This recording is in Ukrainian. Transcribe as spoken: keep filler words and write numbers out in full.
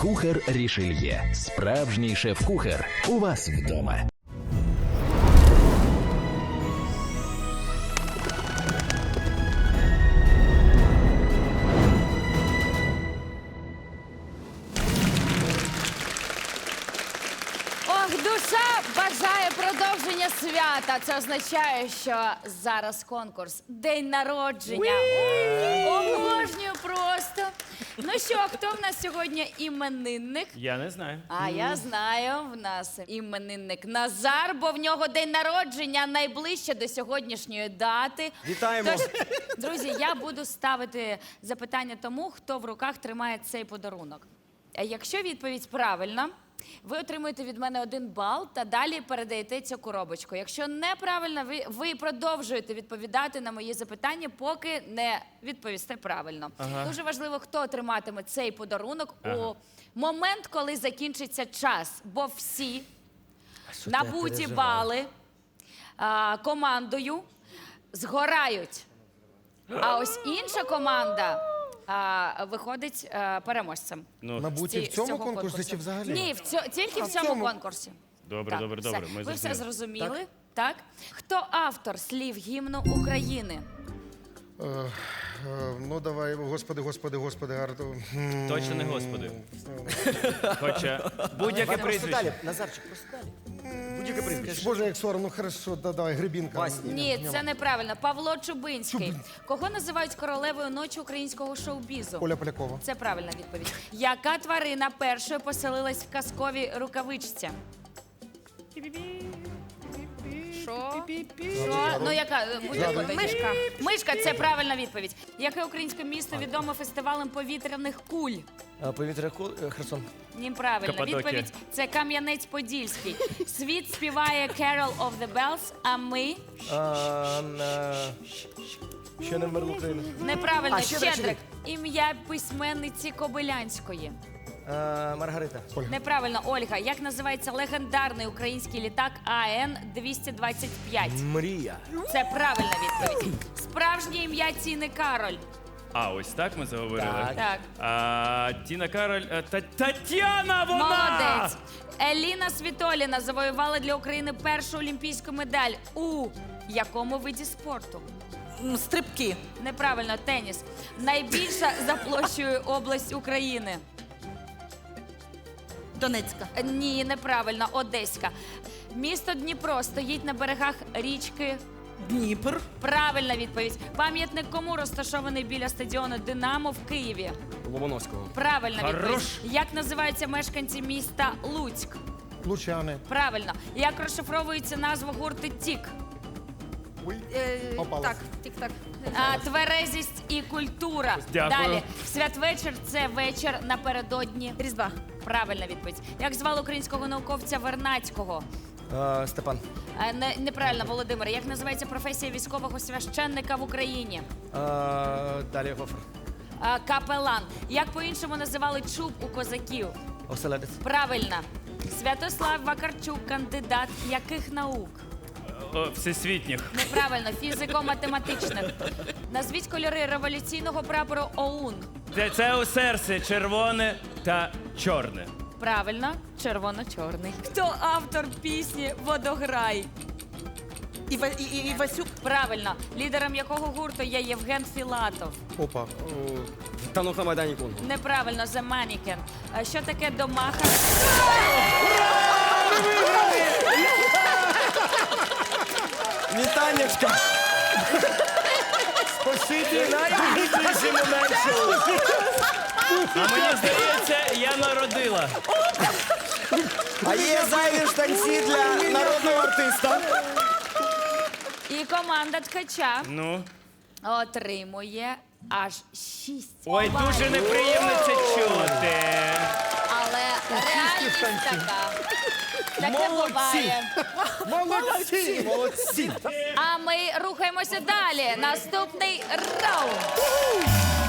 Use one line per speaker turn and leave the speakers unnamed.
Кухар Рішельє. Справжній шеф-кухар. У вас вдома.
Ох, душа бажає продовження свята. Це означає, що зараз конкурс. День народження. Обожнюю просто. Ну що, хто в нас сьогодні іменинник?
Я не знаю.
А я знаю, в нас іменинник Назар, бо в нього день народження найближче до сьогоднішньої дати.
Вітаємо.
Тож, друзі, я буду ставити запитання тому, хто в руках тримає цей подарунок. Якщо відповідь правильна, ви отримуєте від мене один бал та далі передаєте цю коробочку. Якщо неправильно, ви, ви продовжуєте відповідати на мої запитання, поки не відповісте правильно.
Ага.
Дуже важливо, хто отриматиме цей подарунок
Ага.
у момент, коли закінчиться час. Бо всі набуті бали а, командою згорають. А ось інша команда а, виходить а, переможцем.
Ну,
Набуті в
Ці- з
цьому
цього
конкурсі
конкурсу.
чи взагалі?
Ні, в цьо, тільки в
в
цьому
цьому.
конкурсі.
Добре,
Так,
добре,
все.
добре, ми
Ви все
зрозуміли.
зрозуміли? Так. Хто автор слів гімну України?
Е, е, ну давай, господи, господи, господи, Арту.
Точно не господи. Хоча будь-яке
Просто
прізвище.
далі, Назарчик, просто далі. Будь-яке прізвище.
Боже, як соромно, хорошо, да, давай, Гребінка.
Васня.
Ні, це неправильно. Павло Чубинський. Кого називають королевою ночі українського шоу-бізу?
Оля Полякова.
Це правильна відповідь. Яка тварина першою поселилась в казковій рукавичці? Що? Що? Ну, яка? Мишка. Мишка – це правильна відповідь. Яке українське місто відоме фестивалем повітряних куль?
Повітря Херсон.
Неправильно.
Каппадокія.
Відповідь – це Кам'янець-Подільський. Світ співає Carol of the Bells, а ми…
А, на... Ще не вмерла Україна.
Неправильно.
А, Щедрик,
Щедрик. Ім'я письменниці Кобилянської.
А, Маргарита.
Неправильно, Ольга. Як називається легендарний український літак А Н двісті двадцять п'ять?
Мрія.
Це правильна відповідь. Справжнє ім'я Тіни Кароль.
А, ось так ми заговорили.
Так.
Так.
А, Тіна Кароль. а, Та, Тетяна, вона!
Молодець. Еліна Світоліна завоювала для України першу олімпійську медаль у якому виді спорту?
Стрибки.
Неправильно, теніс. Найбільша за площею область України.
Донецька.
Ні, неправильно, Одеська. Місто Дніпро стоїть на берегах річки.
Дніпр.
Правильна відповідь. Пам'ятник кому розташований біля стадіону «Динамо» в Києві?
Ломоновського.
Правильна
Хорош.
відповідь. Як називаються мешканці міста Луцьк?
Лучани.
Правильно. Як розшифровується назва гурту «Тік»?
Попалась.
Так, тік-так.
А, тверезість і культура.
Дякую.
Далі. Святвечір – це вечір напередодні.
Різдва.
Правильна відповідь. Як звали українського науковця Вернадського?
А, Степан.
А, не, неправильно, Володимир. Як називається професія військового священника в Україні?
А, далі Гофер.
А, капелан. Як по-іншому називали чуб у козаків?
Оселедець.
Правильно. Святослав Вакарчук – кандидат яких наук?
О, всесвітніх.
Неправильно, фізико-математичних. Назвіть кольори революційного прапору ОУН.
Це, це у серці червоне та чорне.
Правильно, червоно-чорний. Хто автор пісні «Водограй»?
Іва, і, і, Івасюк.
Правильно, лідером якого гурту є Євген Філатов?
Опа.
Танух на Майдані Кунг.
Неправильно, The Mannequin. А що таке домаха?
Вітанечка. Спасибі. Найбільший момент шоу.
А мені здається, я народила.
А є зайві штанці для народного артиста.
І команда ткача
Ну.
отримує аж шість
Ой,
балів.
дуже неприємно це чути.
Але реальність така. Таке буває.
Молодці! Молодці!
А ми рухаємося далі. Наступний раунд.